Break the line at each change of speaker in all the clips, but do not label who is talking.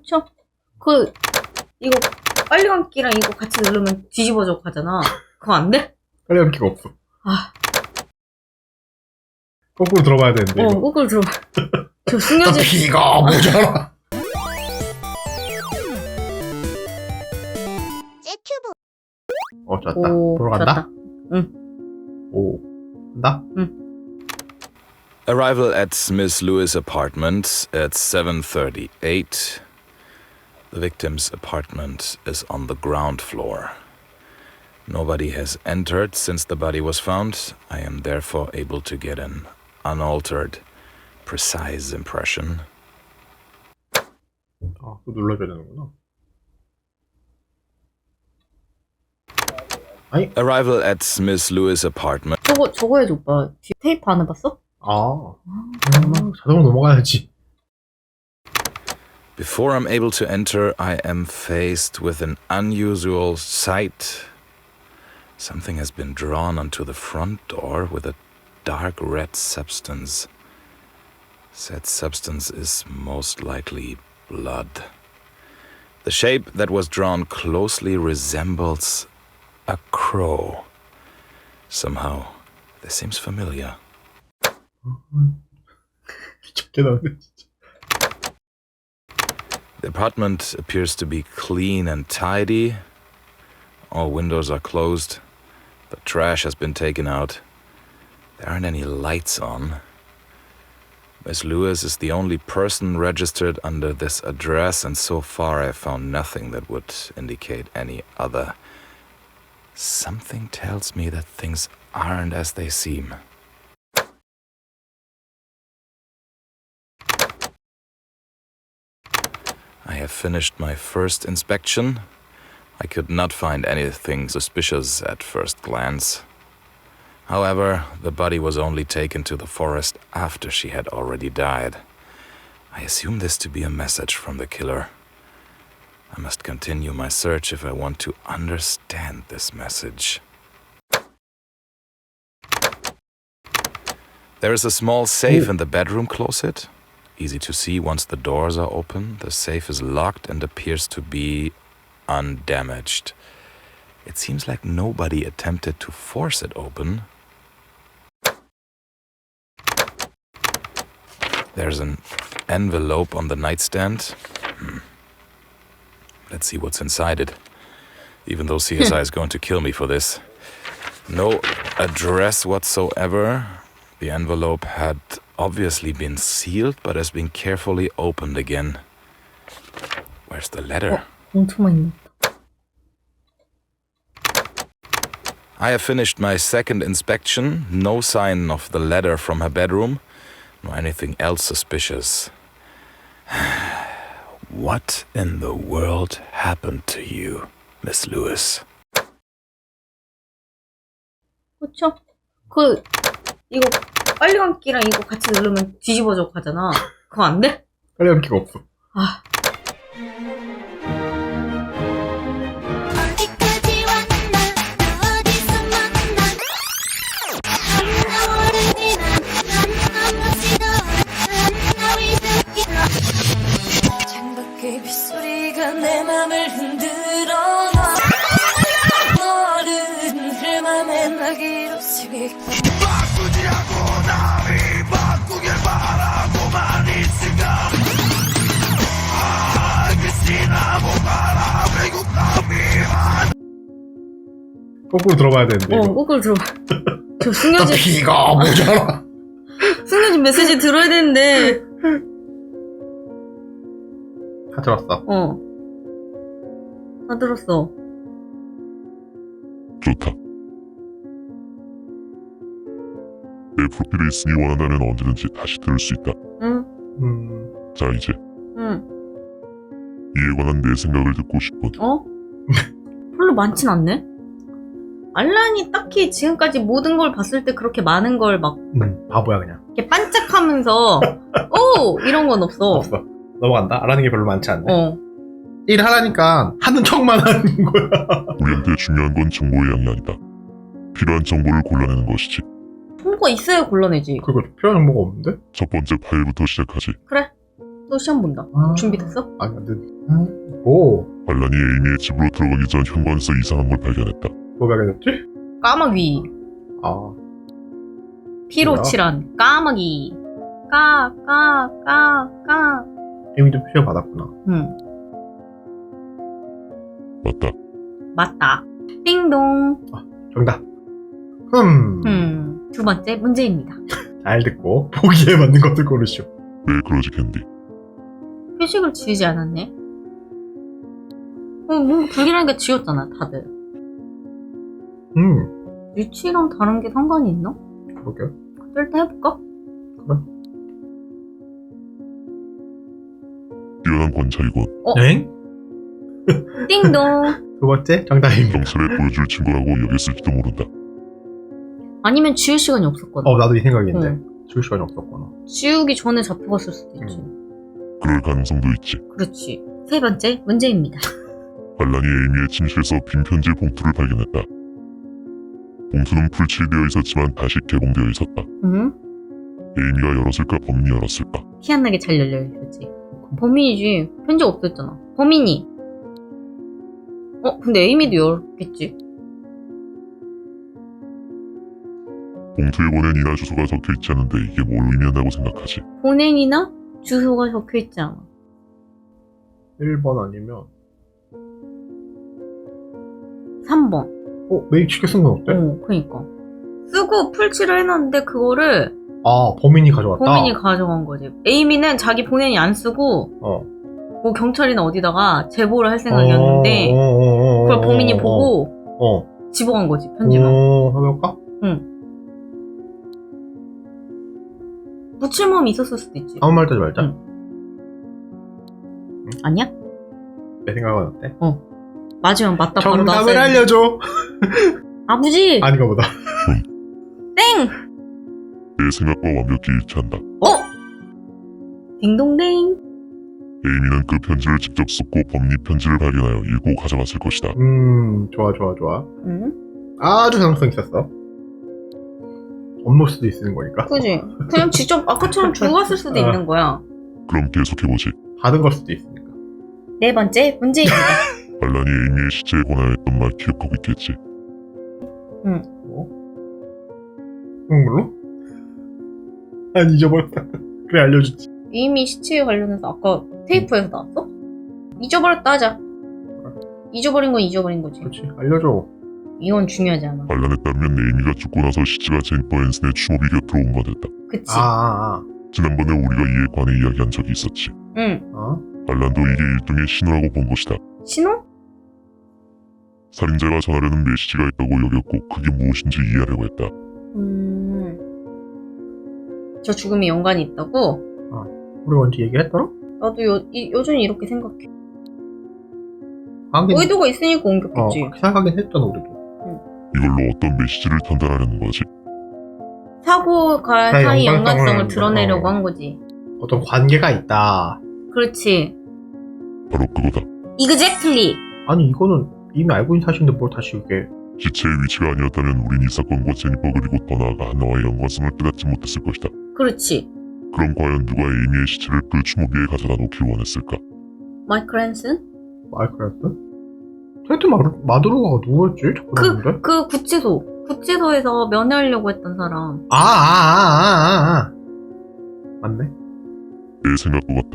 그쵸? 이거 빨리 감기랑 이거 같이 누르면 뒤집어져 가잖아. 그거 안 돼?
빨리 감기가 없어.
아,
거꾸로 들어봐야 되는데. 이거.
거꾸로 들어봐. 저 숙녀집.
비가 모자라. 잤다.
오,
보러 간다?
잤다. 응.
오, 간다?
응.
Arrival at Miss Lewis' apartment at 7:38. The victim's apartment is on the ground floor. Nobody has entered since the body was found. I am therefore able to get an unaltered, precise impression.
아, 또 눌러줘야 되는구나. 아니?
Arrival at Miss Lewis' apartment.
저거 해줘, 오빠. 뒤에 테이프 안 해봤어?
자동으로 넘어가야지.
Before I'm able to enter, I am faced with an unusual sight. Something has been drawn onto the front door with a dark red substance. Said substance is most likely blood. The shape that was drawn closely resembles a crow. Somehow, this seems familiar.
미쳤게 나오네, 진짜.
The apartment appears to be clean and tidy. All windows are closed. The trash has been taken out. There aren't any lights on. Miss Lewis is the only person registered under this address, and so far I've found nothing that would indicate any other. Something tells me that things aren't as they seem. I have finished my first inspection. I could not find anything suspicious at first glance. However, the body was only taken to the forest after she had already died. I assume this to be a message from the killer. I must continue my search if I want to understand this message. There is a small safe in the bedroom closet. Easy to see once the doors are open. The safe is locked and appears to be undamaged. It seems like nobody attempted to force it open. There's an envelope on the nightstand. Let's see what's inside it. Even though CSI is going to kill me for this. No address whatsoever. The envelope had obviously been sealed, but has been carefully opened again. Where's the letter?
엄청 많이.
I have finished my second inspection. No sign of the letter from her bedroom, nor anything else suspicious. What in the world happened to you, Miss Lewis?
그쵸? 이거 빨리 감기랑 이거 같이 누르면 뒤집어져 가잖아. 그거 안 돼?
빨리 감기가 없어.
아.
창밖의 빗소리가 내 맘을 흔들어 너른 흘맘에 나기로 스윗 바꾸지라고 남이 바꾸길 바라고만 있을까 알겠으나 뭐가라 외국 남이만
거꾸로 들어봐야 되는데. 이거.
거꾸로 들어봐. 저 숙녀집.
비가 모자라.
숙녀집 메시지 들어야 되는데.
다 들었어.
다 들었어.
좋다. 내 프로필에 있으니 원한다면 언제든지 다시 들을 수 있다.
응.
자, 이제
응.
이에 관한 내 생각을 듣고 싶거든.
별로 많진 않네? 알란이 딱히 지금까지 모든 걸 봤을 때 그렇게 많은 걸 막
바보야 그냥.
이렇게 반짝하면서 오! 이런 건 없어.
없어. 넘어간다. 알아는 게 별로 많지 않네. 일 하라니까 하는 척만 하는 거야.
우리한테 중요한 건 정보의 양이 아니다. 필요한 정보를 골라내는 것이지.
정보가 있어야 골라내지.
그거 필요한 정보가 없는데?
첫 번째 파일부터 시작하지.
그래. 또 시험 본다.
아.
준비됐어?
아니 근데 뭐
알란이 에이미의 집으로 들어가기 전 현관에서 이상한 걸 발견했다.
뭐 발견했지?
까마귀.
아
피로
뭐야?
칠한 까마귀. 까.
이미도 피해 받았구나.
응,
맞다.
맞다. 띵동.
정답.
두 번째 문제입니다.
잘 듣고 보기에 맞는 것들 고르시오.
왜 그러지 캔디?
표식을 지우지 않았네. 뭔가 불길하니까 지웠잖아, 다들. 위치랑 다른 게 상관이 있나?
그러게.
일단 해볼까?
뛰어난 관찰이군.
엥?
띵동.
두 번째 정답입니다.
경찰에 보여줄 친구라고 여겼을지도 모른다.
아니면 지울 시간이 없었거든.
나도 이 생각인데.
응.
지울 시간이 없었구나.
지우기 전에 잡혀갔을 수도 있지.
그럴 가능성도 있지.
그렇지. 세 번째 문제입니다.
알란이 에이미의 침실에서 빈 편지 봉투를 발견했다. 봉투는 풀칠되어 있었지만 다시 개봉되어 있었다.
응?
에이미가 열었을까 범인이 열었을까?
티 안 나게 잘 열려있었지. 범인이지. 편지가 없었잖아. 범인이. 근데 에이미도 열었겠지.
봉투에 보낸 이나 주소가 적혀있지 않은데 이게 뭘 의미한다고 생각하지?
본행이나 주소가 적혀있지 않아.
1번 아니면
3번.
메일 쉽게 쓴 건 어때?
그니까. 쓰고 풀칠을 해놨는데 그거를
범인이 가져왔다.
범인이 가져간 거지. 에이미는 자기 본행이 안 쓰고 뭐 경찰이나 어디다가 제보를 할 생각이었는데 그걸 범인이 보고 집어간 거지, 편지만.
해볼까?
묻힐 마음이 있었을 수도 있지.
아무 말도 하지 말자.
아니야?
내 생각은 어때?
맞으면 맞다 바로
정답을
나왔어야 돼.
알려줘.
아버지!
아닌가 보다.
땡!
내 생각과 완벽히 일치한다.
딩동댕.
에이미는 그 편지를 직접 썼고 범인이 편지를 발견하여 읽고 가져갔을 것이다.
좋아.
응?
아주 가능성 있었어. 업무 수도 있는 거니까.
그지? 그냥 직접 아까처럼 주고 갔을 수도 있는 거야.
그럼 계속해보지.
받은 걸 수도 있으니까.
네 번째 문제입니다.
알란이 에이미의 시체에 관하여 했던 말 기억하고 있겠지.
물론? 난 잊어버렸다. 그래 알려주지.
이미 시체에 관련해서 아까 테이프에서 나왔어? 잊어버렸다 하자. 잊어버린 건 잊어버린 거지.
그렇지. 알려줘.
이건 중요하지 않아.
알란에 따르면 에이미가 죽고 나서 시체가 제니퍼 앤슨의 추모비 곁으로 옮겨졌다.
그치?
지난번에 우리가 이에 관해 이야기한 적이 있었지.
응.
알란도 이게 일종의 신호라고 본 것이다.
신호?
살인자가 전하려는 메시지가 있다고 여겼고 그게 무엇인지 이해하려고 했다.
저 죽음에 연관이 있다고?
우리가 언제 얘기했더라?
나도 여전히 이렇게 생각해.
하긴,
의도가 있으니까 옮겼겠지.
그렇게 생각하긴 했잖아 우리도.
이걸로 어떤 메시지를 전달하려는 거지?
사고가 사이
연관성을
연관성을 드러내려고 한 거지.
어떤 관계가 있다.
그렇지.
바로 그거다.
Exactly.
아니 이거는 이미 알고 있는 사실인데 뭘 다시 이게.
시체의 위치가 아니었다면 우린 이 사건과 제니퍼 그리고 더 나아가 한나와의 연관성을 깨닫지 못했을 것이다.
그렇지.
그럼 과연 누가 에이미의 시체를 그 추모비에 가져다 놓길 원했을까?
마이클 앤슨?
마이크라스? 테드 마두로가 누구였지? 자꾸 나오는데?
그 구치소에서 면회하려고 했던 사람.
맞네.
내 생각도 같다.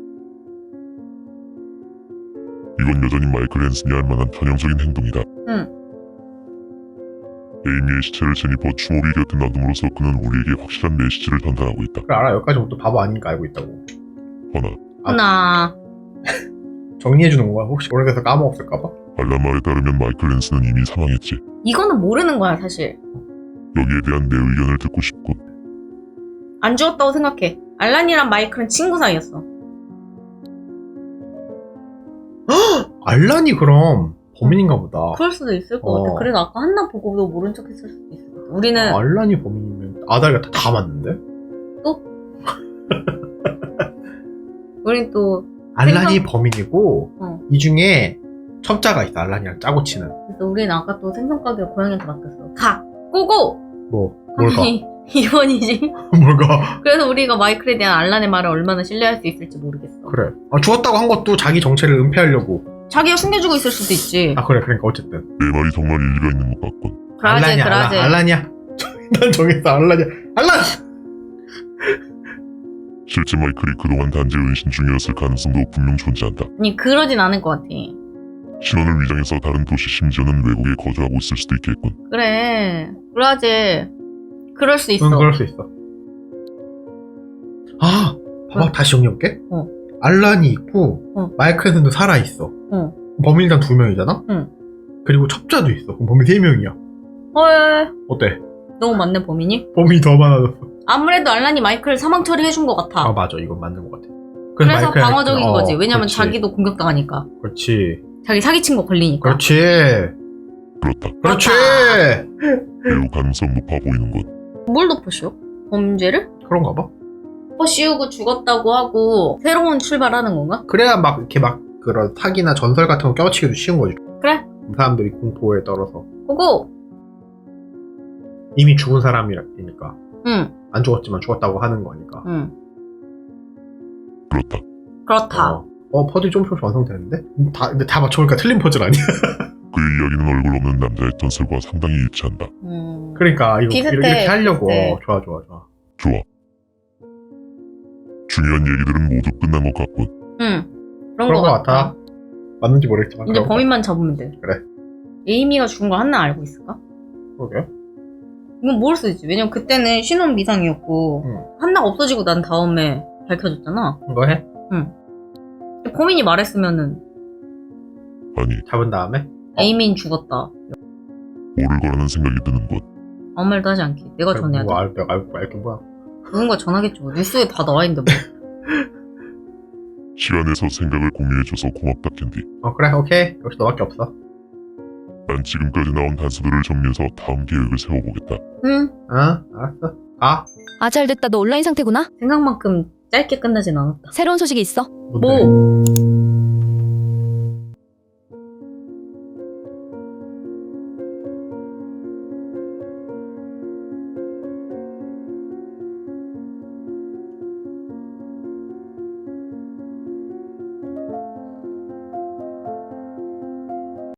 이건 여전히 마이클 앤슨이 할 만한 전형적인 행동이다.
응.
에이미의 시체를 제니퍼 추모비 곁에 놔둠으로써 그는 우리에게 확실한 메시지를 전달하고 있다.
그래 알아. 여기까지부터 바보 아닌가 알고 있다고.
허나
하나.
정리해주는 거야. 혹시 오래돼서 까먹었을까봐?
알란 말에 따르면 마이클 앤슨은 이미 사망했지.
이거는 모르는 거야 사실.
여기에 대한 내 의견을 듣고 싶군.
안 죽었다고 생각해. 알란이랑 마이클은 친구 사이였어.
알란이 그럼 범인인가 보다.
그럴 수도 있을 것 같아. 그래서 아까 한나 보고도 모른 척 했을 수도 있을 것 같아. 우리는
알란이 범인이면 아다리가 다 맞는데?
우린 또
알란이 범인이고 이 중에 첩자가 있어. 알란이랑 짜고 치는.
그래서 우리는 아까 또 생선 가게를 고양이한테 맡겼어. 가! 고고!
뭘 봐?
아니 2번이지.
뭘까?
그래서 우리가 마이클에 대한 알란의 말을 얼마나 신뢰할 수 있을지 모르겠어.
그래. 죽었다고 한 것도 자기 정체를 은폐하려고.
자기가 숨겨주고 있을 수도 있지.
그래. 그러니까 어쨌든.
내 말이 정말 일리가 있는 것 같군.
그라제.
알란이야. 난 정했어. 알란!
실제 마이클이 그동안 단지 은신 중이었을 가능성도 분명 존재한다.
아니 그러진 않을 것 같아.
신원을 위장해서 다른 도시 심지어는 외국에 거주하고 있을 수도 있겠군.
그래. 그라제. 그럴 수 있어.
응, 그럴 수 있어. 봐봐. 다시 정리해볼게. 알란이 있고, 마이클슨도 살아있어. 범인단 2명이잖아?
응.
그리고 첩자도 있어. 그럼 범인 3명이야.
헐.
어때?
너무 많네 범인이.
범인이 더 많아졌어.
아무래도 알란이 마이클을 사망 처리해준 것 같아.
맞아. 이건 맞는 것 같아.
그래서 방어적인 거지. 왜냐면
그렇지.
자기도 공격당하니까.
그렇지.
자기 사기친 거 걸리니까.
그렇지.
그렇다.
그렇지.
매우 가능성 높아 보이는 것.
뭘 덮으시오? 범죄를?
그런가 봐.
씌우고 죽었다고 하고 새로운 출발하는 건가?
그래야 막 이렇게 막 그런 사기나 전설 같은 거 껴치기도 쉬운 거지.
그래.
사람들이 공포에 떨어서.
그거.
이미 죽은 사람이니까.
응.
안 죽었지만 죽었다고 하는 거니까.
응.
그렇다.
그렇다.
퍼즐이 조금씩 완성되는데? 근데 다 맞춰보니까 틀린 퍼즐 아니야?
그의 이야기는 얼굴 없는 남자의 전설과 상당히 일치한다.
그러니까 이거
비슷해,
이렇게 하려고.
비슷해.
좋아.
좋아. 중요한 얘기들은 모두 끝난 것 같군.
응. 그런
그런
거
거
같아.
같아. 맞는지 모르겠지만.
이제
그런 거
범인만 잡으면 돼.
그래.
에이미가 죽은 거 한나 알고 있을까?
같아. 그러게.
이건 모를 수 있지. 왜냐면 그때는 신혼 미상이었고
응.
한나가 없어지고 난 다음에 밝혀졌잖아.
이거 해?
범인이 말했으면은
아니,
잡은 다음에?
에이미는 죽었다.
모를 거라는 생각이 드는 것.
아무 말도 하지 않기. 내가 전해야 돼.
내가 알게 뭐야.
누군가 전하겠죠. 뉴스에 다 나와 있는데 뭐.
시간 내서 생각을 공유해줘서 고맙다, 캔디.
그래, 오케이. 역시 너밖에 없어.
난 지금까지 나온 단서들을 정리해서 다음 계획을 세워보겠다.
응.
알았어. 가.
아, 잘 됐다. 너 온라인 상태구나?
생각만큼 짧게 끝나진 않았다.
새로운 소식이 있어.
뭔데?